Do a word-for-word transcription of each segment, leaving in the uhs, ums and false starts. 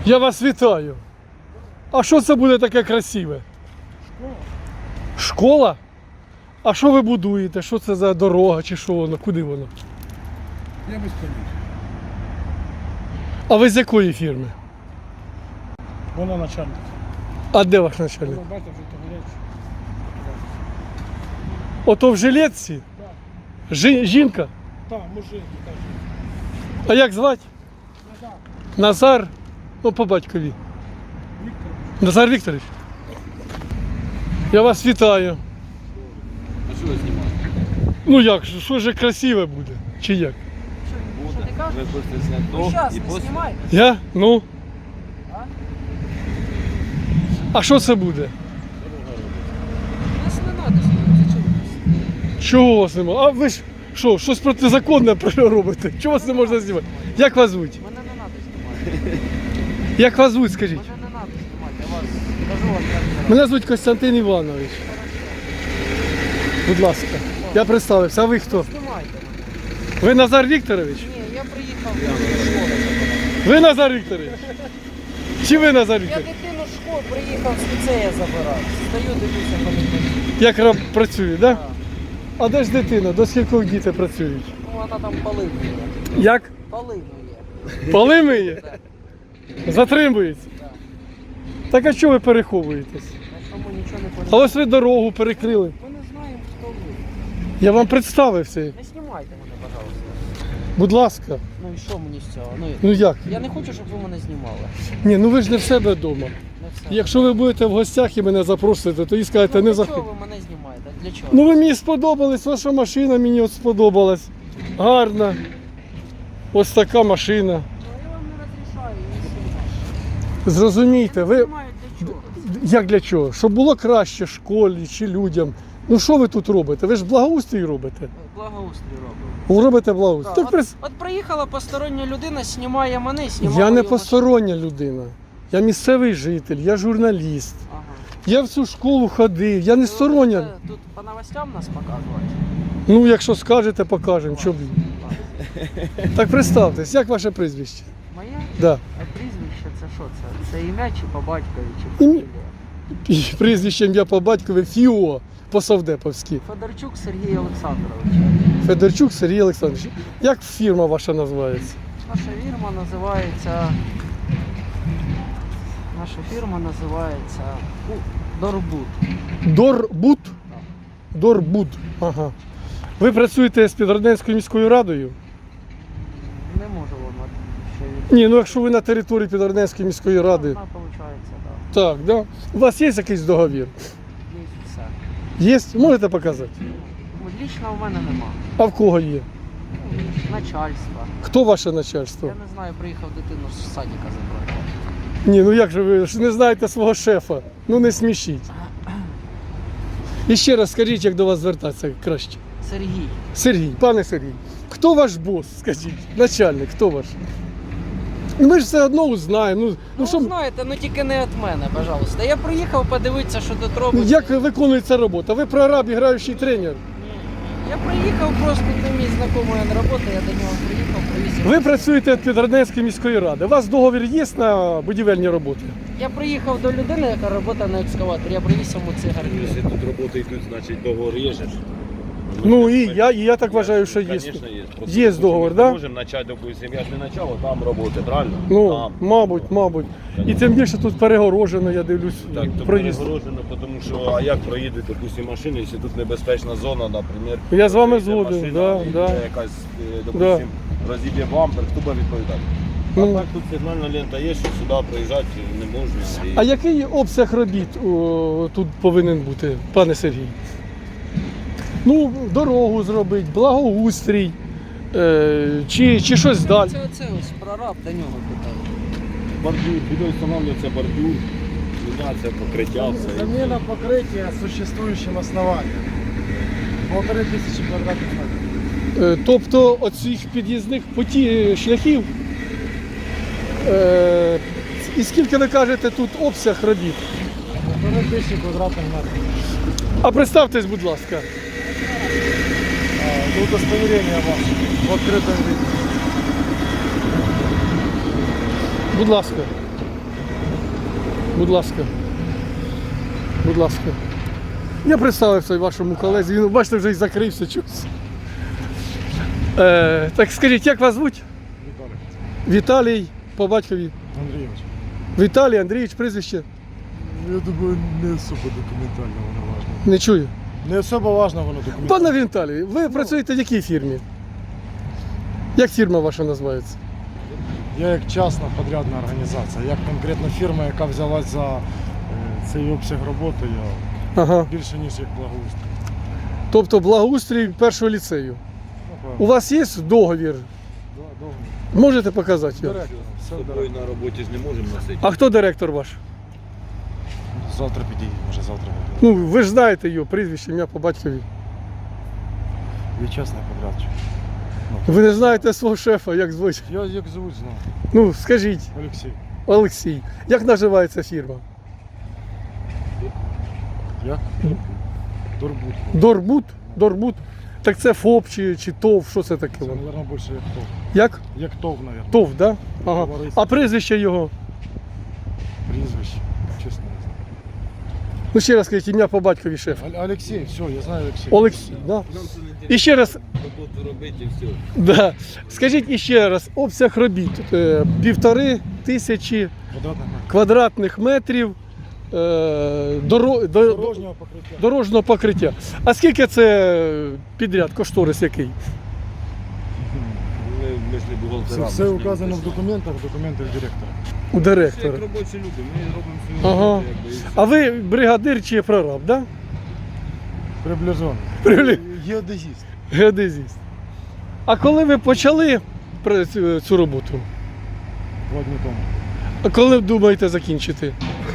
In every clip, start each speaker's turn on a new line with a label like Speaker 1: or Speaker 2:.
Speaker 1: Я вас вітаю. А що це буде таке красиве?
Speaker 2: Школа.
Speaker 1: Школа? А що ви будуєте? Що це за дорога чи що воно? Куди воно?
Speaker 2: Я без поняття.
Speaker 1: А ви з якої фірми?
Speaker 2: Вона начальник.
Speaker 1: А де ваш начальник?
Speaker 2: Вона бачите, вже то гаряче.
Speaker 1: Ото в жилетці?
Speaker 2: Так,
Speaker 1: Жі- жінка?
Speaker 2: так, мужик, каже.
Speaker 1: А як звати?
Speaker 2: Назар,
Speaker 1: Назар? Ну, по батькові.
Speaker 2: Віктор.
Speaker 1: Назар Вікторович. Я вас вітаю.
Speaker 3: А що ви знімаєте?
Speaker 1: Ну як, ж, що ж красиве буде? Чи як?
Speaker 3: Буде. Ви хочете зняти
Speaker 4: Ну,
Speaker 3: до
Speaker 4: сейчас,
Speaker 3: і
Speaker 4: не
Speaker 3: після?
Speaker 4: снимай.
Speaker 1: Я? Ну.
Speaker 4: А?
Speaker 1: А що це буде?
Speaker 4: Нас не надо снимать, зачем нас?
Speaker 1: Чого у вас немає? А ви ж що, щось протизаконне робите? Чого вас не можна знімати? Як вас звуть?
Speaker 4: Мене не надо знімати.
Speaker 1: Як вас звуть, скажіть?
Speaker 4: Мене не надо знімати, я вас кажу вам як зараз.
Speaker 1: Мене звуть Костянтин Іванович. Будь ласка. Я представився. А ви хто?
Speaker 4: Знімайте мене.
Speaker 1: Ви Назар Вікторович?
Speaker 4: Ні, я приїхав до школи забирати.
Speaker 1: Ви Назар Вікторович? Чи ви Назар
Speaker 4: Я
Speaker 1: Вікторович?
Speaker 4: дитину з школи приїхав з ліцея забирати. Стою, дивлюся, ходить.
Speaker 1: Як раб працює, так? Да?
Speaker 4: Так.
Speaker 1: А де ж дитина? До скількох діти працюють?
Speaker 4: Ну, вона там поли миє.
Speaker 1: Як?
Speaker 4: Поли миє.
Speaker 1: Поли миє? Затримується?
Speaker 4: Так.
Speaker 1: Так а чого ви переховуєтесь?
Speaker 4: На чому нічого не
Speaker 1: А
Speaker 4: поняття.
Speaker 1: ось ви дорогу перекрили.
Speaker 4: Ми не знаємо, хто ви.
Speaker 1: Я вам представився.
Speaker 4: Не знімайте мене, пожалуйста.
Speaker 1: Будь ласка.
Speaker 4: Ну і що мені з цього? Ну,
Speaker 1: Ну як?
Speaker 4: я не хочу, щоб ви мене знімали.
Speaker 1: Ні, ну ви ж не в себе вдома.
Speaker 4: Не все.
Speaker 1: Якщо ви будете в гостях і мене запросите, то і скажете,
Speaker 4: Ну,
Speaker 1: не
Speaker 4: для
Speaker 1: заходь.
Speaker 4: чого ви мене знімаєте? Для чого?
Speaker 1: Ну ви мені сподобались, ваша машина мені от сподобалась. Гарна. Ось така машина.
Speaker 4: Ну, я вам не розрішаю її знімати.
Speaker 1: Зрозумійте, ви
Speaker 4: Знімаю для чого?
Speaker 1: як для чого? Щоб було краще школі чи людям. Ну що ви тут робите? Ви ж благоустрій робите.
Speaker 4: Благоустрій робив.
Speaker 1: Ви робите благоустрій.
Speaker 4: Так,
Speaker 1: Так, прис-
Speaker 4: от, от приїхала постороння людина, знімає мене, знімає.
Speaker 1: Я не
Speaker 4: його
Speaker 1: постороння людина. Я місцевий житель, я журналіст.
Speaker 4: машину. Ага.
Speaker 1: Я в цю школу ходив, я не
Speaker 4: Ви
Speaker 1: стороння.
Speaker 4: будете Тут по новостям нас показувати.
Speaker 1: Ну, якщо скажете, покажемо. Чоб...
Speaker 4: Ладно.
Speaker 1: Так представтесь, як ваше прізвище?
Speaker 4: Моє
Speaker 1: Да.
Speaker 4: а прізвище це що це? Це ім'я чи по батькові, чи
Speaker 1: Ім'я.
Speaker 4: фамілія?
Speaker 1: І прізвище ім'я по батькові Фіо по-совдеповськи.
Speaker 4: Федорчук Сергій Олександрович.
Speaker 1: Федорчук Сергій Олександрович. Як фірма ваша називається?
Speaker 4: Наша фірма називається. Наша фірма називається у, Дорбут.
Speaker 1: Дорбут? Дорбут. Ага. Ви працюєте з Підродненською міською радою?
Speaker 4: Не можу вам от ще від...
Speaker 1: Ні, ну якщо ви на території Підродненської міської ради.
Speaker 4: Вона виходить, так.
Speaker 1: Так, да. У вас є якийсь договір?
Speaker 4: Є
Speaker 1: Є?
Speaker 4: все.
Speaker 1: Можете показати?
Speaker 4: Ну, лічно в мене нема.
Speaker 1: А в кого є?
Speaker 4: Ну, начальство.
Speaker 1: Хто ваше начальство?
Speaker 4: Я не знаю, приїхав дитину з садика забрати.
Speaker 1: Ні, ну як же ви ж не знаєте свого шефа? Ну не смішіть. І ще раз скажіть, як до вас звертатися краще.
Speaker 4: Сергій.
Speaker 1: Сергій, пане Сергій, хто ваш бос, скажіть? Начальник, хто ваш? Ну, ми ж все одно узнаємо. Ну, ну,
Speaker 4: Ну,
Speaker 1: що,
Speaker 4: знаєте, ну тільки не від мене, пожалуйста. Я приїхав подивитися, що тут
Speaker 1: ну,
Speaker 4: робиться.
Speaker 1: як виконується робота? Ви прораб, граючий тренер.
Speaker 4: Я приїхав просто, це мій знайомий на роботу, я до нього приїхав, привіз. його.
Speaker 1: Ви працюєте від Підродненської міської ради. У вас договір є на будівельні роботи?
Speaker 4: Я приїхав до людини, яка працює на екскаваторі, я привіз йому цигарки.
Speaker 3: Якщо тут роботи йдуть, значить договор є же ж.
Speaker 1: Ну і я, і я так вважаю, що є.
Speaker 3: Звісно, є. Просто,
Speaker 1: Є
Speaker 3: допустим,
Speaker 1: договор,
Speaker 3: ми
Speaker 1: да?
Speaker 3: Можемо почати, допустим, я ж не почав, а там роботи, правильно?
Speaker 1: Ну,
Speaker 3: там.
Speaker 1: мабуть, мабуть. І тим більше тут перегорожено, я дивлюсь,
Speaker 3: Так, то
Speaker 1: проїзд.
Speaker 3: перегорожено, тому що, а як проїде, допустим, машина, якщо тут небезпечна зона, наприклад.
Speaker 1: Я з вами
Speaker 3: проїде
Speaker 1: згоден,
Speaker 3: машина,
Speaker 1: да,
Speaker 3: і
Speaker 1: да.
Speaker 3: буде якась, е, допустим, розіб'є бампер, хто буде відповідати?
Speaker 1: Ну.
Speaker 3: А так тут сигнальна лента є, що сюди проїжджати не можна. І...
Speaker 1: А який обсяг робіт о, тут повинен бути, пане Сергій? Ну, дорогу зробити, благоустрій, е, чи, чи щось далі.
Speaker 4: Це оце ось прораб, до нього питав.
Speaker 3: Бордюр, буде встановлюється бордюр, міняться покриття, все.
Speaker 2: Замена покрытия существующим основанием. Полторы тысячи квадратных метров.
Speaker 1: Е, тобто оцих під'їзних поті, шляхів, е, і скільки ви кажете тут обсяг робіт?
Speaker 2: Полторы тысячи квадратных метров.
Speaker 1: А представтесь, будь ласка.
Speaker 2: А, удостоверение ваше в открытом виде.
Speaker 1: Будь ласка. Будь ласка. Будь ласка. Я представився вашому колезі, він, бачите, вже й закрився чогось. Е, так скажіть, як вас звуть?
Speaker 2: Віталій.
Speaker 1: Віталій, по батькові.
Speaker 2: Андрійович.
Speaker 1: Віталій Андрійович, прізвище.
Speaker 2: Я думаю, не особо документально воно важно.
Speaker 1: Не чую.
Speaker 2: Не особо важно воно документально.
Speaker 1: Пане Віталій, ви працюєте в якій фірмі? Як фірма ваша називається?
Speaker 2: Я як частна подрядна організація, як конкретно фірма, яка взялась за е, цей обсяг роботи, я
Speaker 1: Ага.
Speaker 2: більше ніж як благоустрій.
Speaker 1: Тобто благоустрій першого ліцею.
Speaker 2: Напевно.
Speaker 1: У вас є договір?
Speaker 2: Да, довго.
Speaker 1: Можете показати його?
Speaker 2: Директор.
Speaker 3: З
Speaker 2: Все
Speaker 3: собою
Speaker 2: директор.
Speaker 3: на роботі ж не можемо носити.
Speaker 1: А хто директор ваш?
Speaker 2: Завтра підійде, може завтра буде.
Speaker 1: Ну, ви ж знаєте його, прізвище, ім'я по батькові.
Speaker 2: Я частний подрядчик.
Speaker 1: Ви не знаєте свого шефа, як звуть?
Speaker 2: Я як звуть знаю.
Speaker 1: Ну, скажіть,
Speaker 2: Олексій.
Speaker 1: Олексій, як називається фірма?
Speaker 2: Як? Дорбут.
Speaker 1: Дорбут? Дорбут? Так це ФОП чи, чи ТОВ, що це таке?
Speaker 2: Це,
Speaker 1: воно?
Speaker 2: мабуть, більше як ТОВ.
Speaker 1: Як?
Speaker 2: Як ТОВ, мабуть.
Speaker 1: ТОВ, да? Ага.
Speaker 2: Товариство.
Speaker 1: А прізвище його?
Speaker 2: Прізвище. Чесно не знаю.
Speaker 1: Ну ще раз скажіть, ім'я по батькові шефа.
Speaker 2: Оль- Олексій, все, я знаю Олексій.
Speaker 1: Олексій, да?
Speaker 3: Нам це не
Speaker 1: І ще раз,
Speaker 3: роботу робити і все.
Speaker 1: да. Скажіть іще раз, обсяг робіт е, півтори тисячі
Speaker 2: Квадратних метрів.
Speaker 1: квадратних метрів е, доро, до,
Speaker 2: Дорожнього покриття.
Speaker 1: дорожнього покриття. А скільки це підряд, кошторис який?
Speaker 3: Ми, ми ж не
Speaker 2: Це
Speaker 3: бухгалтера.
Speaker 2: все
Speaker 3: ми ж не
Speaker 2: указано в
Speaker 3: писали.
Speaker 2: документах, в документах директора.
Speaker 1: У
Speaker 3: Все
Speaker 1: директора.
Speaker 3: як робочі люди, ми робимо свою
Speaker 1: Ага.
Speaker 3: роботу, якби, і все.
Speaker 1: А ви бригадир чи прораб, да?
Speaker 2: Приближено.
Speaker 1: Прибли-
Speaker 2: Геодезіст.
Speaker 1: Геодезіст. А коли ви почали пра- цю, цю роботу?
Speaker 2: Два дні тому.
Speaker 1: А коли думаєте закінчити?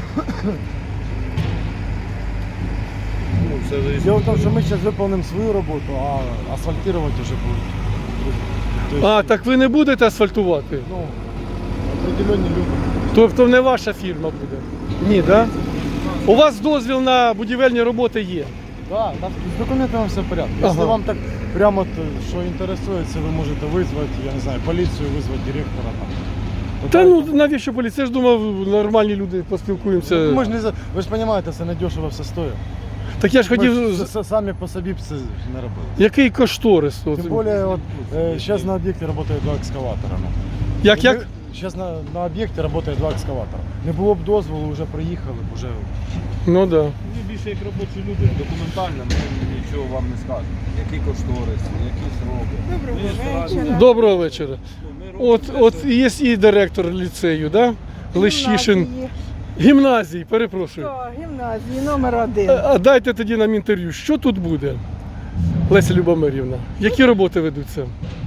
Speaker 3: Ну, все зависить.
Speaker 2: Дело в том, что мы сейчас выполним свою работу, а асфальтировать уже будет другие. То есть,
Speaker 1: А, так ви не будете асфальтувати?
Speaker 2: ну, определенные люди.
Speaker 1: Тобто не ваша фірма буде? Ні, да? У вас дозвіл на будівельні роботи є?
Speaker 2: Да, там с документами все в порядке. Если
Speaker 1: Ага.
Speaker 2: вам так прямо, то, что интересуется, вы можете вызвать, я не знаю, полицию, вызвать директора там.
Speaker 1: Та ну навіщо поліція? Я ж думав, нормальні люди поспілкуємося.
Speaker 2: Мы ж не за... Ви ж розумієте, це не дешево все стоїть.
Speaker 1: Так я ж
Speaker 2: Ми
Speaker 1: хотів.
Speaker 2: ж с- самі по собі б це не робили.
Speaker 1: Який кошторис? От.
Speaker 2: Тим більше, от, е, зараз на об'єкті працює два екскаватора. Ну.
Speaker 1: Як як?
Speaker 2: Зараз на, на об'єкті працює два екскаватора. Не було б дозволу, вже приїхали, б, вже...
Speaker 1: Ну так. Да.
Speaker 3: Ми більше як робочі люди, документально ми нічого вам не скажемо. Які кошторис, які сроки.
Speaker 4: Доброго
Speaker 3: Ми стараємося-
Speaker 4: вечора.
Speaker 1: Доброго вечора.
Speaker 3: Ну, ми робимо
Speaker 1: От,
Speaker 3: те,
Speaker 1: от
Speaker 3: що-
Speaker 1: є і директор ліцею, да? Лещишин.
Speaker 4: Гімназії.
Speaker 1: Гімназії, перепрошую.
Speaker 4: Так, гімназії номер один.
Speaker 1: А а дайте тоді нам інтерв'ю. Що тут буде? Леся Любомирівна, які роботи ведуться?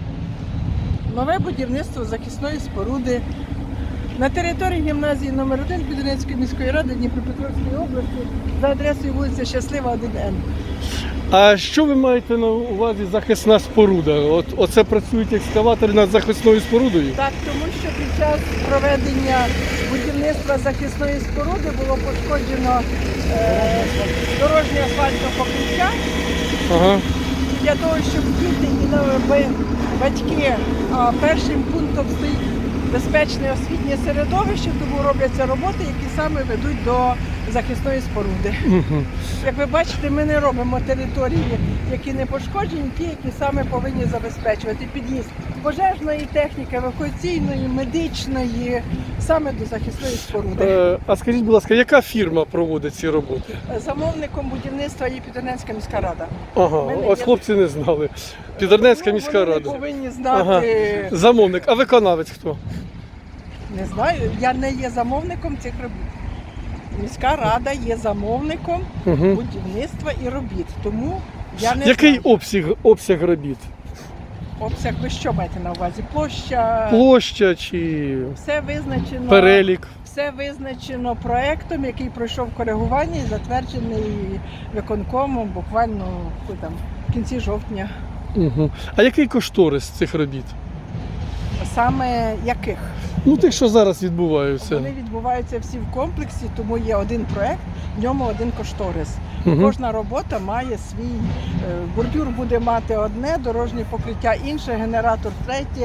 Speaker 4: Нове будівництво захисної споруди на території гімназії номер один Підринської міської ради Дніпропетровської області за адресою вулиця Щаслива, один Н.
Speaker 1: А що ви маєте на увазі захисна споруда? От, оце працюють екскаватори над захисною спорудою?
Speaker 4: Так, тому що під час проведення будівництва захисної споруди було пошкоджено е, дорожнє асфальтне покриття.
Speaker 1: Ага.
Speaker 4: Для того, щоб діти і нові батьки, а першим пунктом стоїть безпечне освітнє середовище, тому робляться роботи, які саме ведуть до захисної споруди.
Speaker 1: Угу.
Speaker 4: Як ви бачите, ми не робимо території, які не пошкоджені, ті, які саме повинні забезпечувати під'їзд пожежної техніки, евакуаційної, медичної, саме до захисної споруди.
Speaker 1: Е, а скажіть, будь ласка, яка фірма проводить ці роботи?
Speaker 4: Замовником будівництва є Підерненська міська рада.
Speaker 1: Ага,
Speaker 4: Мене
Speaker 1: ось
Speaker 4: є-
Speaker 1: хлопці не знали. Підернецька
Speaker 4: Ну,
Speaker 1: міська
Speaker 4: вони
Speaker 1: рада.
Speaker 4: повинні
Speaker 1: Ага.
Speaker 4: знати.
Speaker 1: Замовник, а виконавець хто?
Speaker 4: Не знаю, я не є замовником цих робіт. Міська рада є замовником
Speaker 1: Угу.
Speaker 4: будівництва і робіт. Тому я не
Speaker 1: Який
Speaker 4: знаю.
Speaker 1: обсяг, обсяг робіт?
Speaker 4: Обсяг ви що маєте на увазі? Площа,
Speaker 1: Площа чи
Speaker 4: все визначено.
Speaker 1: перелік?
Speaker 4: Все визначено проектом, який пройшов коригування і затверджений виконкомом буквально коли там, в кінці жовтня.
Speaker 1: Угу. А який кошторис цих робіт?
Speaker 4: Саме яких?
Speaker 1: Ну, тих, що зараз відбуваються.
Speaker 4: Вони відбуваються всі в комплексі, тому є один проект, в ньому один кошторис.
Speaker 1: Угу.
Speaker 4: Кожна робота має свій е, бордюр буде мати одне, дорожнє покриття інше, генератор третє,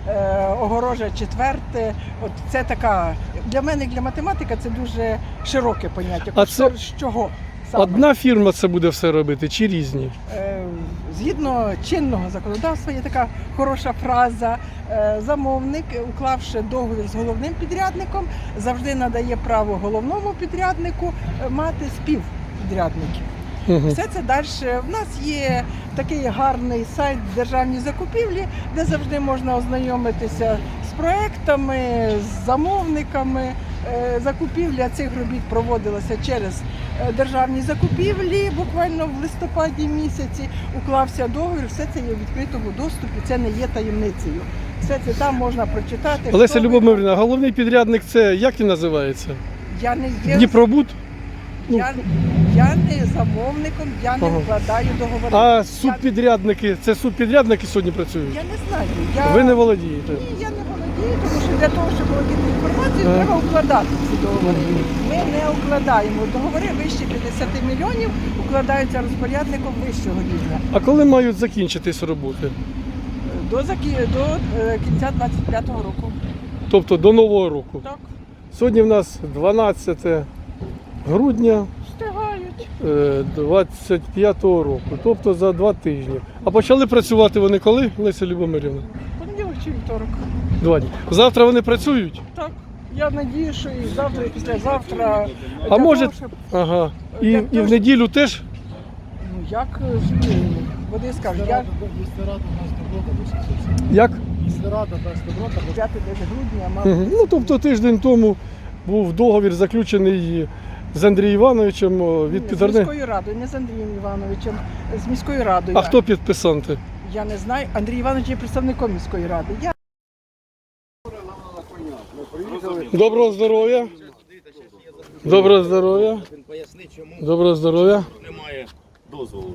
Speaker 4: е, огорожа четверте. От це така, для мене, як для математика, це дуже широке поняття.
Speaker 1: А це-
Speaker 4: Кошторис чого? Саме?
Speaker 1: Одна фірма це буде все робити чи різні?
Speaker 4: Е, Згідно чинного законодавства є така хороша фраза. Е, Замовник, уклавши договір з головним підрядником, завжди надає право головному підряднику е, мати співпідрядників.
Speaker 1: Угу.
Speaker 4: Все це далі. В нас є такий гарний сайт державні закупівлі, де завжди можна ознайомитися з проектами, з замовниками. Е, Закупівля цих робіт проводилася через е, державні закупівлі. Буквально в листопаді місяці уклався договір. Все це є у відкритому доступі. Це не є таємницею. Все це там можна прочитати.
Speaker 1: Олеся
Speaker 4: хто ви-
Speaker 1: Любомирівна, головний підрядник це як він називається?
Speaker 4: Я не є
Speaker 1: Дніпробуд?
Speaker 4: я, я не замовником, я не
Speaker 1: Ага.
Speaker 4: вкладаю договори.
Speaker 1: А
Speaker 4: Я-
Speaker 1: субпідрядники, це субпідрядники сьогодні працюють?
Speaker 4: Я не знаю. Я...
Speaker 1: Ви не володієте?
Speaker 4: Ні, я не володію, тому що для того, щоб володіти інформацією,
Speaker 1: Ага.
Speaker 4: треба укладати ці договори.
Speaker 1: Мгм.
Speaker 4: Ми не укладаємо. Договори вище п'ятдесят мільйонів укладаються розпорядником вищого рівня.
Speaker 1: А коли мають закінчитись роботи?
Speaker 4: До, закі- до е, кінця двадцять п'ятого року.
Speaker 1: Тобто до Нового року.
Speaker 4: Так,
Speaker 1: Сьогодні в нас дванадцяте грудня
Speaker 4: встигають.
Speaker 1: е, двадцять п'ятого року, тобто за два тижні. А почали працювати вони коли, Леся Любомирівна?
Speaker 4: Понеділок чи вівторок.
Speaker 1: Два дні. Завтра вони працюють?
Speaker 4: Так. Я надію, що і завтра, і післязавтра.
Speaker 1: А
Speaker 4: для
Speaker 1: може,
Speaker 4: того, щоб-
Speaker 1: ага. І,
Speaker 4: Для
Speaker 1: і
Speaker 4: того,
Speaker 1: в
Speaker 4: щоб-
Speaker 1: неділю теж?
Speaker 4: Ну як е, ж, ну, вони скажуть, я
Speaker 2: Якщо рада дасть добро, то все.
Speaker 1: Як?
Speaker 2: Якщо рада дасть добро, то
Speaker 4: п'ятого грудня мав.
Speaker 1: Мгм. Ну, тобто тиждень тому був договір заключений з Андрієм Івановичем о, від
Speaker 4: Ні, з
Speaker 1: підарни.
Speaker 4: міською радою, не з Андрієм Івановичем, з міською радою.
Speaker 1: А хто підписанти?
Speaker 4: Я не знаю. Андрій Іванович є представником міської ради. Я
Speaker 1: Доброго здоров'я. Доброго здоров'я.
Speaker 5: Він пояснить, чому
Speaker 1: Доброго здоров'я.
Speaker 5: немає дозволу.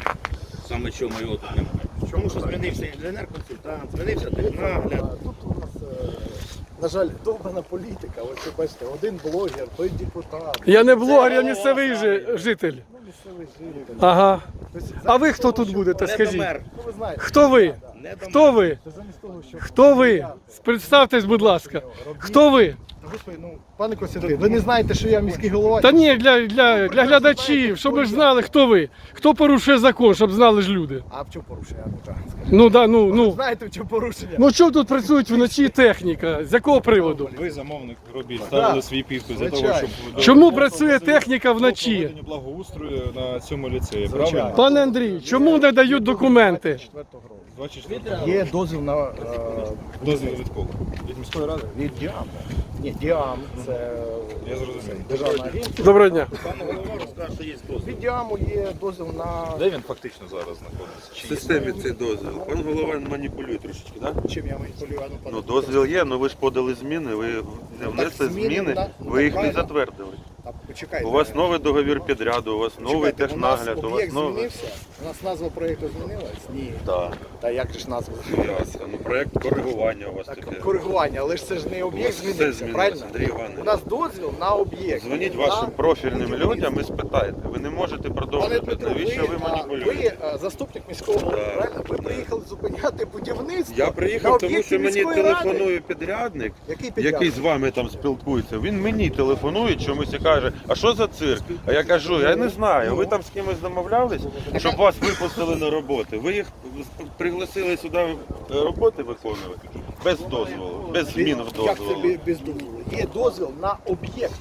Speaker 5: Саме чому його тут немає. Тому що змінився інженер-консультант, змінився технагляд.
Speaker 2: тут у нас, е, на жаль, довбана політика. Ось ви бачите, один блогер, той депутат.
Speaker 1: Я не блогер, я місцевий жи- житель.
Speaker 2: Ну, місцевий житель.
Speaker 1: Ага.
Speaker 2: Тобто,
Speaker 1: А ви
Speaker 2: замість
Speaker 1: хто
Speaker 2: того,
Speaker 1: тут
Speaker 2: щоб-
Speaker 1: будете,
Speaker 5: Не
Speaker 1: скажіть?
Speaker 5: домер.
Speaker 2: Ну, ви знаєте,
Speaker 1: Хто ви?
Speaker 5: Не домер.
Speaker 1: Хто ви?
Speaker 2: це замість того, щоб...
Speaker 1: Хто ви? Представтесь, будь ласка. Хто ви?
Speaker 2: Господи, ну, пане Костянтин, ви не знаєте, що я міський голова?
Speaker 1: Та ні, для, для, для глядачів, щоб ви ж знали, хто ви. Хто порушує закон, щоб знали ж люди.
Speaker 2: А в чому порушення? Ну, так, скажіть.
Speaker 1: Ну да, ну, ну.
Speaker 2: Знаєте, в чому порушення?
Speaker 1: Ну чого тут працюють вночі техніка? З якого приводу?
Speaker 6: Ви замовник робіт, ставили свій підпис для того,
Speaker 2: Звичайно.
Speaker 6: щоб
Speaker 1: Чому працює техніка вночі?
Speaker 6: проведення благоустрою на цьому ліцеї.
Speaker 2: Звичайно.
Speaker 6: Правильно?
Speaker 1: Пане Андрій, чому не дають документи?
Speaker 2: четвертого року.
Speaker 6: двадцять четвертого
Speaker 2: Є дозвіл на е,
Speaker 6: дозвіл від кого? Від міської ради?
Speaker 2: від Діам. Ні, Діам це
Speaker 6: Я зрозумів.
Speaker 2: державна агенція.
Speaker 1: Доброго дня.
Speaker 5: Пан голова розкаже, що є дозвіл.
Speaker 2: Від Діаму є дозвіл на
Speaker 6: Де він фактично зараз знаходиться?
Speaker 7: В системі цей дозвіл. Пан голова маніпулює трошечки, так? Да?
Speaker 2: чим я маніпулюю. А ну, пане
Speaker 7: Ну дозвіл є, але ви ж подали зміни, ви не внесли
Speaker 2: зміни,
Speaker 7: зміни,
Speaker 2: да,
Speaker 7: ви їх не
Speaker 2: правильно.
Speaker 7: затвердили.
Speaker 2: А почекайте.
Speaker 7: У вас новий договір підряду, у вас новий
Speaker 2: Почекайте, у нас
Speaker 7: технагляд, у вас
Speaker 2: об'єкт
Speaker 7: новий.
Speaker 2: змінився? У нас назва проєкту змінилась? Ні.
Speaker 7: Так,
Speaker 2: Та як же ж назва змінилася?
Speaker 7: ну проєкт коригування у вас
Speaker 2: Так,
Speaker 7: таке.
Speaker 2: коригування, але ж це ж не
Speaker 7: У
Speaker 2: об'єкт
Speaker 7: вас все
Speaker 2: змінився,
Speaker 7: змінилося,
Speaker 2: правильно?
Speaker 7: Андрій Іванович.
Speaker 2: У нас дозвіл на об'єкт.
Speaker 7: Дзвоніть
Speaker 2: На
Speaker 7: вашим профільним
Speaker 2: будівництво.
Speaker 7: людям і спитайте. Ви не можете
Speaker 2: Пане
Speaker 7: продовжувати.
Speaker 2: Дмитро,
Speaker 7: Навіщо ви
Speaker 2: а,
Speaker 7: маніпулюєте?
Speaker 2: ви а, заступник міського голови,
Speaker 7: Так,
Speaker 2: правильно? Ви
Speaker 7: так.
Speaker 2: приїхали зупиняти будівництво.
Speaker 7: Я
Speaker 2: на
Speaker 7: приїхав, тому
Speaker 2: об'єкті
Speaker 7: що мені
Speaker 2: міської ради.
Speaker 7: телефонує підрядник,
Speaker 2: Який підрядник?
Speaker 7: який з вами там спілкується. Він мені телефонує чомусь і каже, а що за цирк? А я кажу, я не знаю. Ви там з кимось домовлялись, щоб вас випустили на роботи. Ви їх пригласили сюди роботи виконувати без дозволу, без змін в
Speaker 2: Як це
Speaker 7: дозволу.
Speaker 2: бі- без дозволу? Є дозвіл на об'єкт.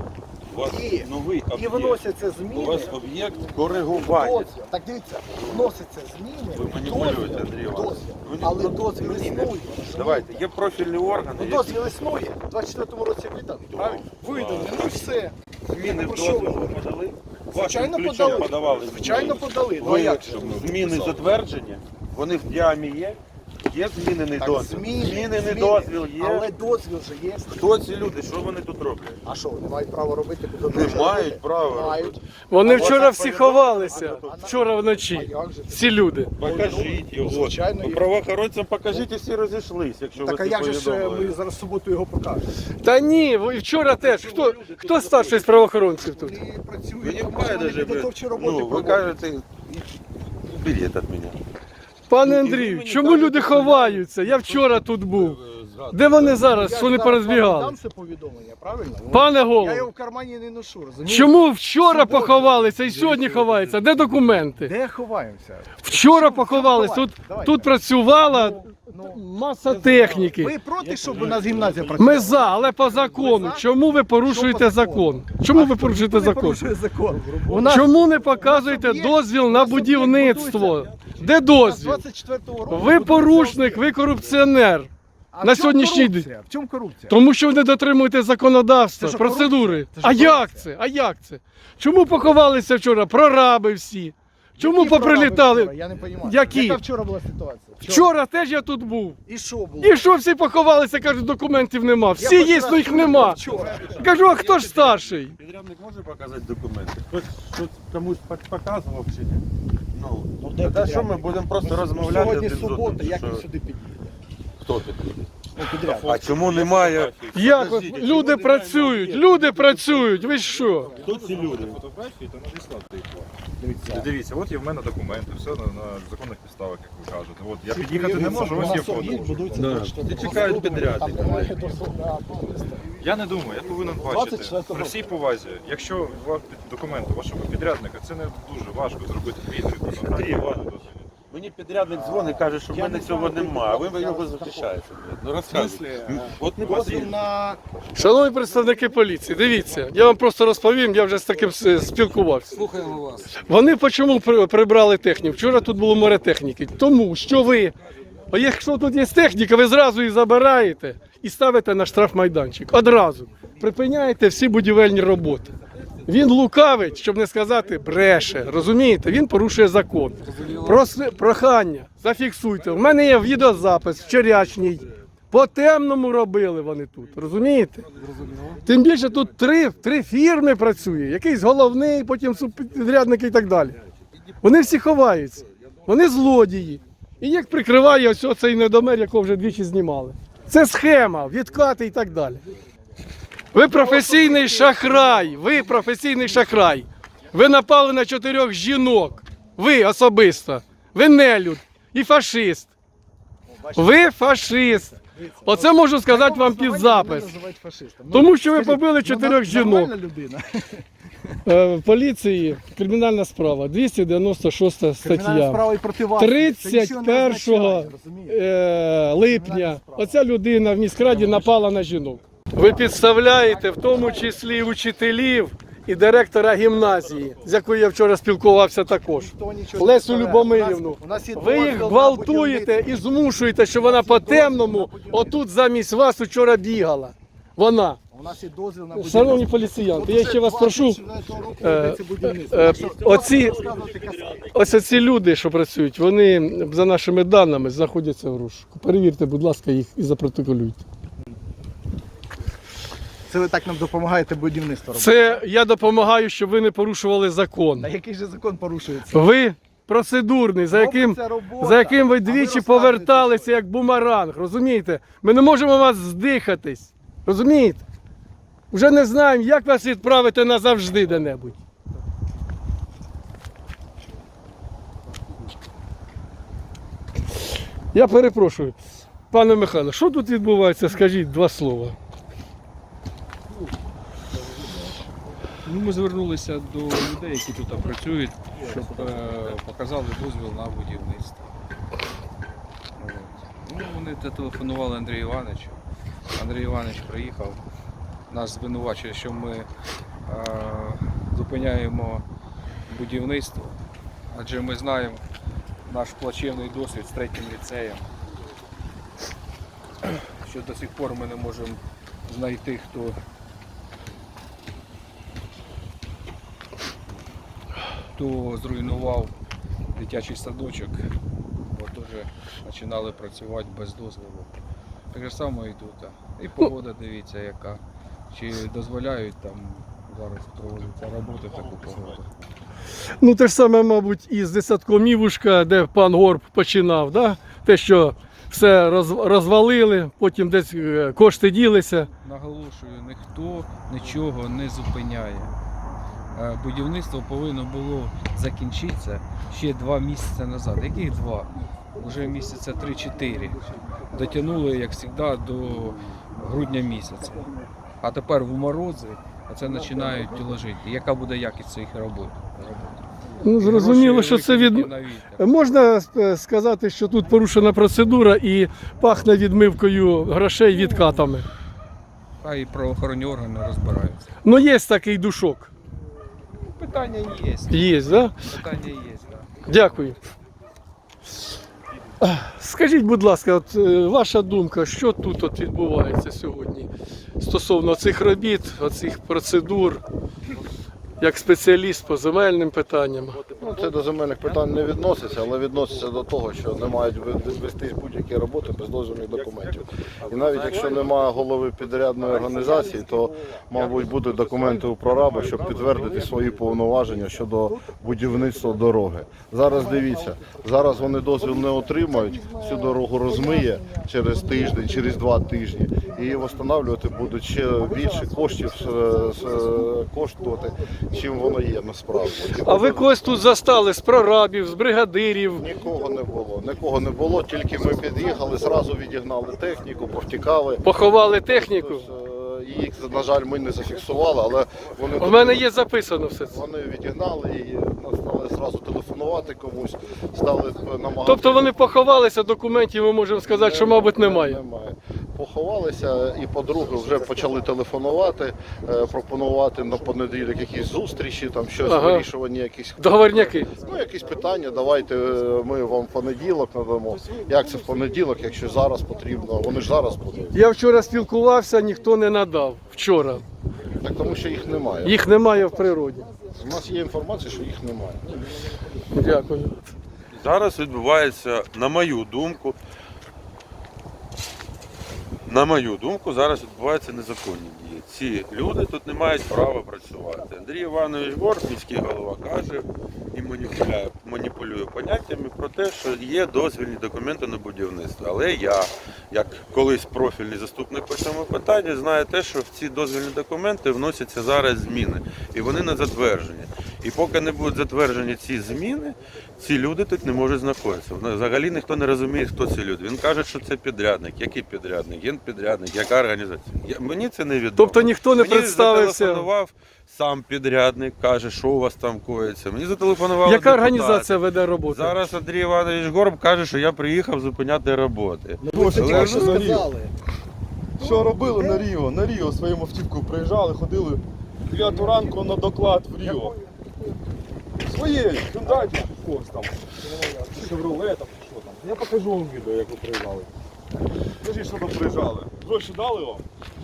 Speaker 7: У вас
Speaker 2: Є.
Speaker 7: новий
Speaker 2: І
Speaker 7: об'єкт.
Speaker 2: виносяться
Speaker 7: У
Speaker 2: зміни.
Speaker 7: вас об'єкт коригування.
Speaker 2: Дозвіл. Так дивіться, вносяться зміни.
Speaker 7: Ви маніпулюєте, Андрій Іванович.
Speaker 2: Дозвіл.
Speaker 7: Ви не-
Speaker 2: Але дозвіл
Speaker 7: Ні,
Speaker 2: існує.
Speaker 7: Давайте, є профільні органи,
Speaker 2: Ну
Speaker 7: які
Speaker 2: дозвіл існує. У двадцять четвертому році виданий, правильно? Виданий, ну і все.
Speaker 7: зміни в
Speaker 2: Про що
Speaker 7: дозвіл
Speaker 2: ви?
Speaker 7: ви подали.
Speaker 2: Звичайно,
Speaker 7: Вашим ключом
Speaker 2: подали.
Speaker 7: подавали.
Speaker 2: Звичайно, подали. Ну а
Speaker 7: Ви
Speaker 2: як же?
Speaker 7: зміни затверджені, вони в діамі є, є змінений
Speaker 2: Так,
Speaker 7: дозвіл.
Speaker 2: зміни,
Speaker 7: Змінений
Speaker 2: зміни.
Speaker 7: дозвіл є.
Speaker 2: Але дозвіл же є.
Speaker 7: Хто ці люди, що вони тут роблять?
Speaker 2: А що, вони мають право робити? куди
Speaker 7: Не
Speaker 2: хочуть
Speaker 7: мають
Speaker 2: робити?
Speaker 7: права
Speaker 2: Мають.
Speaker 7: робити.
Speaker 1: Вони
Speaker 7: А
Speaker 1: вчора
Speaker 7: вас
Speaker 1: всі
Speaker 7: так
Speaker 1: ховалися.
Speaker 7: повідомили?
Speaker 1: Вчора
Speaker 2: А
Speaker 1: вночі.
Speaker 2: як же?
Speaker 1: Всі люди.
Speaker 7: Покажіть його.
Speaker 2: Звичайно,
Speaker 7: Ну,
Speaker 2: є.
Speaker 7: правоохоронцям покажіть і всі розійшлись, якщо
Speaker 2: Так а
Speaker 7: ви
Speaker 2: як
Speaker 7: це
Speaker 2: же ж е,
Speaker 7: повідомили.
Speaker 2: ми зараз в суботу його покажемо?
Speaker 1: Та ні, ви вчора теж. Хто, хто старший з правоохоронців тут?
Speaker 2: І
Speaker 7: Ви
Speaker 2: працюють,
Speaker 7: не
Speaker 2: тому що вони
Speaker 7: даже,
Speaker 2: підготовчі роботи
Speaker 7: ну, ви
Speaker 2: проводять.
Speaker 7: кажете, уберіть від мене.
Speaker 1: Пане Андрію, чому люди ховаються? Я вчора тут був. Де вони зараз? Що вони порозбігали?
Speaker 8: Дам це повідомлення, правильно?
Speaker 1: Пане
Speaker 8: Я
Speaker 1: голово,
Speaker 8: його в кармані не ношу, розумієте?
Speaker 1: чому вчора поховалися і сьогодні ховаються? Де документи?
Speaker 8: Де ховаємося?
Speaker 1: Вчора поховались. Тут, тут працювала маса техніки.
Speaker 8: Ви проти, щоб у нас гімназія працювала?
Speaker 1: Ми за, але по закону. Чому ви порушуєте закон? Чому ви порушуєте
Speaker 8: Хто не
Speaker 1: закон?
Speaker 8: порушує закон? У нас
Speaker 1: Чому не показуєте дозвіл на будівництво? Де дозвіл?
Speaker 8: двадцять четвертого року
Speaker 1: Ви порушник, ви корупціонер.
Speaker 8: А
Speaker 1: на
Speaker 8: в чому
Speaker 1: сьогоднішній
Speaker 8: корупція? В чому корупція?
Speaker 1: Тому що ви не дотримуєте законодавства,
Speaker 8: Це ж
Speaker 1: процедури.
Speaker 8: корупція. Це ж
Speaker 1: А як
Speaker 8: корупція.
Speaker 1: це? А як це? Чому поховалися вчора? Прораби всі. Чому
Speaker 8: Які прораби
Speaker 1: поприлітали?
Speaker 8: вчора? Я не розумію.
Speaker 1: Які?
Speaker 8: Яка вчора була ситуація?
Speaker 1: Вчора теж я тут був.
Speaker 8: І що було?
Speaker 1: І що всі поховалися, кажуть, документів нема. Всі
Speaker 8: Я хоч
Speaker 1: є,
Speaker 8: раз
Speaker 1: але їх
Speaker 8: чув
Speaker 1: нема.
Speaker 8: вчора.
Speaker 1: Кажу, а хто ж старший?
Speaker 7: Підрядник може показати документи? Хтось щось комусь пок- показував чи ні? Ну,
Speaker 8: Ну, де
Speaker 7: та що
Speaker 8: підрядник?
Speaker 7: ми будемо просто розмовляти
Speaker 8: Сьогодні
Speaker 7: один з одним?
Speaker 8: субота, як
Speaker 7: що-
Speaker 8: він сюди підійде?
Speaker 7: Хто підійде?
Speaker 8: Ну, підряд.
Speaker 7: А чому немає?
Speaker 1: Як от люди працюють, люди працюють, ви що?
Speaker 7: Хто ці люди?
Speaker 6: Фотографії та надіслати їх.
Speaker 8: Дивіться.
Speaker 6: Дивіться, от є в мене документи, все на, на законних підставах, як ви кажете. От я під'їхати не можу, ось є фото.
Speaker 7: Ти чекають підрядника.
Speaker 6: Я не думаю, я повинен бачити. При всій повазі, якщо вам під- документи вашого підрядника, це не дуже важко зробити відповідь.
Speaker 7: Андрій Іванович, мені підрядник дзвонить і каже, що в мене цього немає, а ви його захищаєте. Ну розказуйте. От не
Speaker 8: Дозвіл
Speaker 7: потрібно.
Speaker 8: на
Speaker 1: Шановні представники поліції, дивіться, я вам просто розповім, я вже з таким с- спілкувався. Слухаємо вас. Вони чому при- прибрали техніку? Вчора тут було море техніки. Тому що ви, а якщо тут є техніка, ви зразу її забираєте і ставите на штрафмайданчик. Одразу. Припиняєте всі будівельні роботи. Він лукавить, щоб не сказати бреше. Розумієте? Він порушує закон. Проси, прохання, зафіксуйте. У мене є відеозапис вчорашній. По темному робили вони тут. Розумієте? Тим більше тут три, три фірми працює. Якийсь головний, потім субпідрядники і так далі. Вони всі ховаються. Вони злодії. І їх прикриває ось цей недомер, якого вже двічі знімали. Це схема, відкати і так далі. Ви професійний шахрай, ви професійний шахрай. Ви напали на чотирьох жінок. Ви особисто. Ви нелюд і фашист. Ви фашист. Оце можу сказати вам під запис. Тому що ви побили чотирьох жінок.
Speaker 8: людина.
Speaker 1: Е, В поліції кримінальна справа, двісті дев'яносто шоста
Speaker 8: Кримінальна
Speaker 1: стаття.
Speaker 8: справа і проти вас.
Speaker 1: тридцять першого е, липня оця людина в міськраді напала на жінок. Ви підставляєте в тому числі і учителів і директора гімназії, з якою я вчора спілкувався також, Лесю Любомирівну. Ви їх гвалтуєте і змушуєте, що вона по темному отут замість вас вчора бігала. Вона.
Speaker 8: У нас є дозвіл на
Speaker 1: Шановні поліціянти, я ще вас прошу, е, е, оці, ось оці люди, що працюють, вони за нашими даними знаходяться в розшуку. Перевірте, будь ласка, їх і запротоколюйте.
Speaker 8: Це ви так нам допомагаєте будівництво робити.
Speaker 1: Це я допомагаю, щоб ви не порушували закон.
Speaker 8: А який же закон порушується?
Speaker 1: Ви процедурний, за яким,
Speaker 8: Робиться робота,
Speaker 1: за яким ви
Speaker 8: а ви
Speaker 1: двічі
Speaker 8: розказуєте,
Speaker 1: поверталися як бумеранг, розумієте? Ми не можемо вас здихатись, розумієте? Вже не знаємо, як вас відправити назавжди де-небудь. Я перепрошую. Пане Михайло, що тут відбувається? Скажіть два слова.
Speaker 9: Ну, ми звернулися до людей, які тут працюють, щоб е, показали дозвіл на будівництво. От. Ну, вони зателефонували Андрію Івановичу. Андрій Іванович приїхав, нас звинувачує, що ми е, зупиняємо будівництво, адже ми знаємо наш плачевний досвід з третім ліцеєм, що до сих пор ми не можемо знайти, хто хто зруйнував дитячий садочок, бо теж починали працювати без дозволу. Так же само і тут. І погода, дивіться, яка. Чи дозволяють там зараз проводиться роботи в таку погоду.
Speaker 1: Ну, те ж саме, мабуть, і з десятком Івушка, де пан Горб починав, да? Те, що все роз- розвалили, потім десь е, кошти ділися.
Speaker 9: Наголошую, ніхто нічого не зупиняє. Е, Будівництво повинно було закінчитися ще два місяці назад. Яких два? вже місяця три-чотири. Дотягнули, як завжди, до грудня місяця. А тепер в морози це починають ложити. Яка буде якість цих робот?
Speaker 1: Ну, зрозуміло,
Speaker 9: Гроші
Speaker 1: що це від...
Speaker 9: викинуті на вітер.
Speaker 1: Можна е, сказати, що тут порушена процедура і пахне відмивкою грошей відкатами.
Speaker 9: Хай правоохоронні органи розбираються.
Speaker 1: Ну, є такий душок.
Speaker 9: Питання є.
Speaker 1: Є, да?
Speaker 9: Питання є, так.
Speaker 1: Дякую. Скажіть, будь ласка, от, е, ваша думка, що тут от відбувається сьогодні стосовно цих робіт, оцих процедур, як спеціаліст по земельним питанням?
Speaker 2: Ну, це до земельних питань не відноситься, але відноситься до того, що не мають вестись будь-які роботи без дозвільних документів. І навіть якщо немає голови підрядної організації, то, мабуть, будуть документи у прораба, щоб підтвердити свої повноваження щодо будівництва дороги. Зараз дивіться, зараз вони дозвіл не отримають, всю дорогу розмиє через тиждень, через два тижні, і її встановлювати будуть ще більше коштів е, е, коштувати, чим воно є насправді.
Speaker 1: А ви когось тут застали з прорабів, з бригадирів?
Speaker 2: Нікого не було, нікого не було, тільки ми під'їхали, зразу відігнали техніку, повтікали.
Speaker 1: Поховали техніку?
Speaker 2: Тобто, е, їх, на жаль, ми не зафіксували, але вони,
Speaker 1: У мене є записано все це.
Speaker 2: вони відігнали і стали зразу телефонувати комусь, стали намагатися.
Speaker 1: Тобто вони поховалися, документів ми можемо сказати, що, мабуть, немає.
Speaker 2: Немає. Поховалися і, по-друге, вже почали телефонувати, е, пропонувати на понеділок якісь зустрічі, там щось,
Speaker 1: Ага.
Speaker 2: вирішування якісь
Speaker 1: Договорняки.
Speaker 2: Ну, якісь питання, давайте е, ми вам в понеділок надамо. Як це в понеділок, якщо зараз потрібно? Вони ж зараз будуть.
Speaker 1: Я вчора спілкувався, ніхто не надав. Вчора.
Speaker 2: Так тому що їх немає.
Speaker 1: Їх немає в природі.
Speaker 2: У нас є інформація, що їх немає.
Speaker 1: Дякую.
Speaker 7: Зараз відбувається, на мою думку, на мою думку, зараз відбуваються незаконні дії. Ці люди тут не мають права працювати. Андрій Іванович Горб, міський голова, каже і маніпулює, маніпулює поняттями про те, що є дозвільні документи на будівництво. Але я, як колись профільний заступник по цьому питанні, знаю те, що в ці дозвільні документи вносяться зараз зміни. І вони не затверджені. І поки не будуть затверджені ці зміни, ці люди тут не можуть знаходитися. Взагалі ніхто не розуміє, хто ці люди. Він каже, що це підрядник. Який підрядник? Генпідрядник, яка організація? Я, мені це не відомо.
Speaker 1: Тобто ніхто не
Speaker 7: Мені
Speaker 1: представився.
Speaker 7: зателефонував сам підрядник, каже, що у вас там коїться. Мені зателефонували
Speaker 1: Яка
Speaker 7: депутати.
Speaker 1: організація веде роботу?
Speaker 7: Зараз Андрій Іванович Горб каже, що я приїхав зупиняти роботи.
Speaker 8: Ви ж
Speaker 7: Але
Speaker 8: тільки
Speaker 7: ж-
Speaker 8: що сказали. Що робили на Ріо? На Ріо своїм автівкою приїжджали, ходили дев'яту ранку на доклад в Ріо. Своєю, дайте когось там. Шевроле там, чи що там. Я покажу вам відео, як ви приїжджали. Скажіть, що там приїжджали. Гроші дали вам?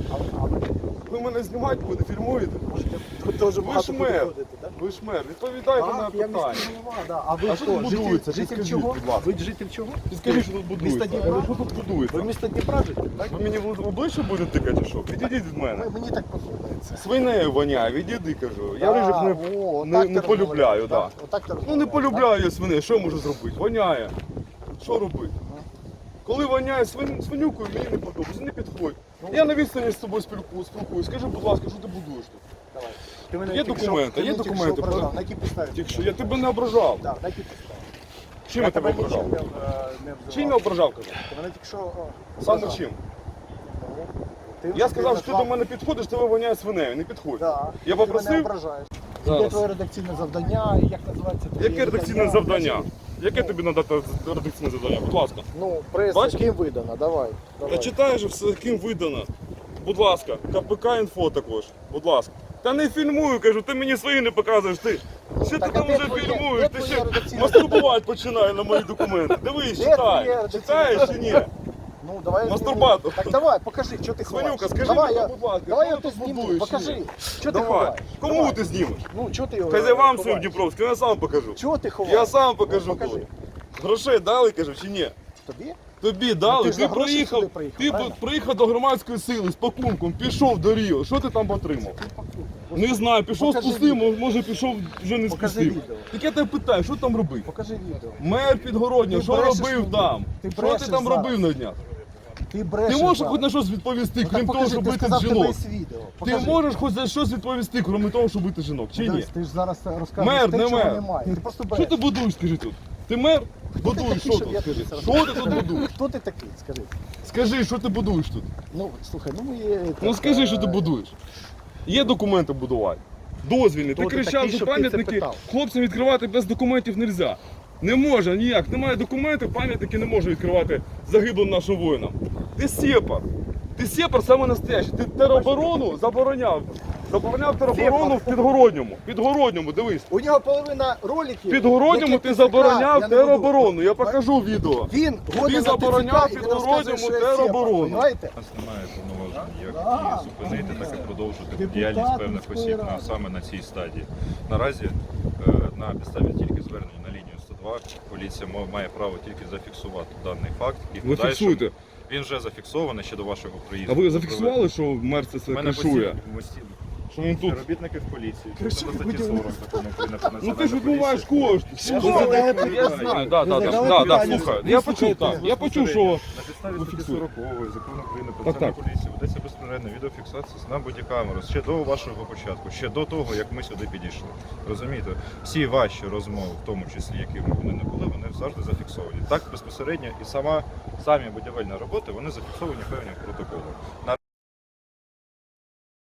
Speaker 8: Ви мене знімати будете, фільмуєте? Ви ж мер, ви ж мер, відповідайте на питання. А ви А що тут будується? Підскажіть, будь ласка. Ви житель чого?
Speaker 5: Підскажіть, що тут будується.
Speaker 8: Місто Дніпра?
Speaker 5: Що тут будується?
Speaker 8: Ви місто Дніпра житель, так?
Speaker 5: Ви мені в обличчя будете тикати, чи що? Відійдіть від мене.
Speaker 8: Мені так подобається.
Speaker 5: Свинею воняє, відійди, кажу. Я
Speaker 8: Да,
Speaker 5: рижих не,
Speaker 8: о,
Speaker 5: не,
Speaker 8: так
Speaker 5: не
Speaker 8: ти
Speaker 5: полюбляю,
Speaker 8: розмовляєш,
Speaker 5: так.
Speaker 8: так? Отак ти
Speaker 5: Ну не
Speaker 8: розмовляєш,
Speaker 5: полюбляю я свиней, що я можу зробити? Воняє. Що робити? Коли воняє свин, свинюкою, мені не подобається, не підходь. Я на відстані з тобою спілкуюсь, спілкуюсь. Скажи, будь ласка, що ти будуєш тут?
Speaker 8: Давай. Ти мене
Speaker 5: Є
Speaker 8: тільки що-
Speaker 5: документи,
Speaker 8: ти
Speaker 5: є
Speaker 8: мене тільки
Speaker 5: документи,
Speaker 8: що ображав.
Speaker 5: правда?
Speaker 8: На якій підставі?
Speaker 5: Тільки що я тебе не ображав.
Speaker 8: Так, на якій підставі?
Speaker 5: Чим я тебе
Speaker 8: нічим
Speaker 5: ображав?
Speaker 8: не, е, не обзивав.
Speaker 5: Чим я ображав, кажу?
Speaker 8: Ти мене тільки що о,
Speaker 5: Саме
Speaker 8: ображав.
Speaker 5: чим?
Speaker 8: Ти-
Speaker 5: Я
Speaker 8: ти
Speaker 5: сказав, що ти
Speaker 8: назвав-
Speaker 5: до мене підходиш, тебе воняє свинею, не підходь.
Speaker 8: Да.
Speaker 5: Я
Speaker 8: Ти мене
Speaker 5: попросив?
Speaker 8: ображаєш.
Speaker 9: Зараз.
Speaker 8: Яке твоє редакційне завдання, і як називається твоє
Speaker 5: Яке редакційне завдання? Яке тобі надати редакційне завдання? Будь ласка.
Speaker 8: Ну, прес,
Speaker 5: Бачиш?
Speaker 8: ким видано, давай.
Speaker 5: Та
Speaker 8: давай.
Speaker 5: читаєш же все, ким видано. Будь ласка, КПК інфо також. Будь ласка. Та не фільмую, кажу, ти мені свої не показуєш. Ти що ти
Speaker 8: Так, а
Speaker 5: там
Speaker 8: де
Speaker 5: вже
Speaker 8: твоє-
Speaker 5: фільмуєш?
Speaker 8: де
Speaker 5: Ти
Speaker 8: твоє
Speaker 5: ще
Speaker 8: редакційне
Speaker 5: мастурбувати починає на мої документи. Дивись,
Speaker 8: Де твоє
Speaker 5: читай.
Speaker 8: редакційне
Speaker 5: Читаєш чи ні?
Speaker 8: Ну, давай.
Speaker 5: Мастурбатор.
Speaker 8: Так давай, покажи, що ти ховаєш.
Speaker 5: Свинюка, скажи
Speaker 8: давай,
Speaker 5: мені,
Speaker 8: я,
Speaker 5: будь ласка,
Speaker 8: давай я
Speaker 5: коли
Speaker 8: ти
Speaker 5: ти
Speaker 8: зніму,
Speaker 5: будуєш,
Speaker 8: покажи.
Speaker 5: ні?
Speaker 8: Що ти
Speaker 5: Давай.
Speaker 8: ховаєш?
Speaker 5: Кому
Speaker 8: Давай.
Speaker 5: ти знімеш?
Speaker 8: Ну, що ти його
Speaker 5: Хазяївам
Speaker 8: ховаєш?
Speaker 5: своїм Дніпровським, я сам покажу.
Speaker 8: Чого ти ховаєш?
Speaker 5: Я сам покажу
Speaker 8: Ну, покажи.
Speaker 5: тут. Грошей дали, кажу, чи ні?
Speaker 8: Тобі?
Speaker 5: Тобі дали,
Speaker 8: ти ж
Speaker 5: ти,
Speaker 8: за гроші
Speaker 5: приїхав,
Speaker 8: сюди приїхав,
Speaker 5: ти
Speaker 8: правильно?
Speaker 5: приїхав до громадської сили з пакунком, пішов до Ріо. Що ти там отримав? Не знаю, пішов з
Speaker 8: Покажи
Speaker 5: пустим,
Speaker 8: відео.
Speaker 5: може пішов вже не з
Speaker 8: Покажи
Speaker 5: пустим.
Speaker 8: відео.
Speaker 5: Так я тебе питаю, що там робити?
Speaker 8: Покажи відео.
Speaker 5: Мер Підгородня,
Speaker 8: Ти
Speaker 5: що
Speaker 8: брешеш
Speaker 5: робив
Speaker 8: мені.
Speaker 5: там?
Speaker 8: Ти
Speaker 5: Що ти
Speaker 8: брешеш
Speaker 5: там
Speaker 8: зараз.
Speaker 5: робив на днях?
Speaker 8: Ти брешеш.
Speaker 5: Ти можеш
Speaker 8: зараз.
Speaker 5: хоч на щось відповісти,
Speaker 8: Ну, так
Speaker 5: крім того,
Speaker 8: покажи,
Speaker 5: щоб
Speaker 8: ти
Speaker 5: бити
Speaker 8: сказав, тебе
Speaker 5: жінок?
Speaker 8: є відео.
Speaker 5: Ти
Speaker 8: Покажи.
Speaker 5: можеш хоч за щось відповісти, крім того, щоб бити жінок, чи
Speaker 8: Ну,
Speaker 5: ні?
Speaker 8: Десь, ти ж зараз розказуєш
Speaker 5: Мер,
Speaker 8: те,
Speaker 5: не
Speaker 8: чого
Speaker 5: мер.
Speaker 8: немає. Ти просто
Speaker 5: Що
Speaker 8: береш.
Speaker 5: ти будуєш, скажи тут? Ти мер? Будуєш, що тут, скажи? Що ти тут будуєш?
Speaker 10: Хто ти такий? Скажи.
Speaker 5: Скажи, що ти будуєш тут?
Speaker 10: Ну, слухай, ну ми є.
Speaker 5: Ну скажи, що ти будуєш. Є документи будувати. Дозвільні. Ти
Speaker 10: Хто ти
Speaker 5: кричав,
Speaker 10: такий,
Speaker 5: що
Speaker 10: щоб ти це
Speaker 5: пам'ятники
Speaker 10: питав?
Speaker 5: хлопцям відкривати без документів не можна. Не може ніяк. Немає документів, пам'ятники не може відкривати загиблим нашим воїнам. Ти сепар. Ти сепар саме настоящий. Ти тероборону забороняв. Забороняв тероборону в Підгородньому. Підгородньому, дивись.
Speaker 10: У нього половина роликів.
Speaker 5: Підгородньому
Speaker 10: які
Speaker 5: ти
Speaker 10: ТЦК,
Speaker 5: забороняв
Speaker 10: я не буду.
Speaker 5: тероборону. Я покажу відео.
Speaker 10: Він годен на
Speaker 5: забороняв
Speaker 10: ТЦК, і він
Speaker 5: Підгородньому
Speaker 10: розказує, що я
Speaker 5: тероборону.
Speaker 10: сепар, понімаєте?
Speaker 6: У нас немає повноважень як і зупинити, так і продовжити діяльність певних осіб на, саме на цій стадії. Наразі е, на підставі тільки звернення на лінію сто два поліція ма- має право тільки зафіксувати даний факт. І в
Speaker 5: Ви
Speaker 6: подальшому
Speaker 5: фіксуйте.
Speaker 6: він вже зафіксований ще до вашого приїзду.
Speaker 5: А ви зафіксували, що мер це
Speaker 6: У
Speaker 5: все
Speaker 6: мене
Speaker 5: кришує?
Speaker 6: постійно- постійно
Speaker 5: Що він тут?
Speaker 6: співробітники в поліції, відповідно до статті сорок закону України про
Speaker 5: Ну ти
Speaker 6: національну
Speaker 5: ж відмиваєш
Speaker 6: поліцію.
Speaker 5: кошти. Я знаю, да, да, да, да, да, слухай. Я почув, так, я почув, що
Speaker 6: На підставі статті
Speaker 5: фіксує.
Speaker 6: сорокової закону України про
Speaker 5: Так,
Speaker 6: національну
Speaker 5: так.
Speaker 6: поліцію ведеться безперервна відеофіксація на бодікамеру ще до вашого початку, ще до того, як ми сюди підійшли. Розумієте? Всі ваші розмови, в тому числі, якими вони не були, вони завжди зафіксовані. Так безпосередньо і сама самі будівельні роботи вони зафіксовані певним протоколом.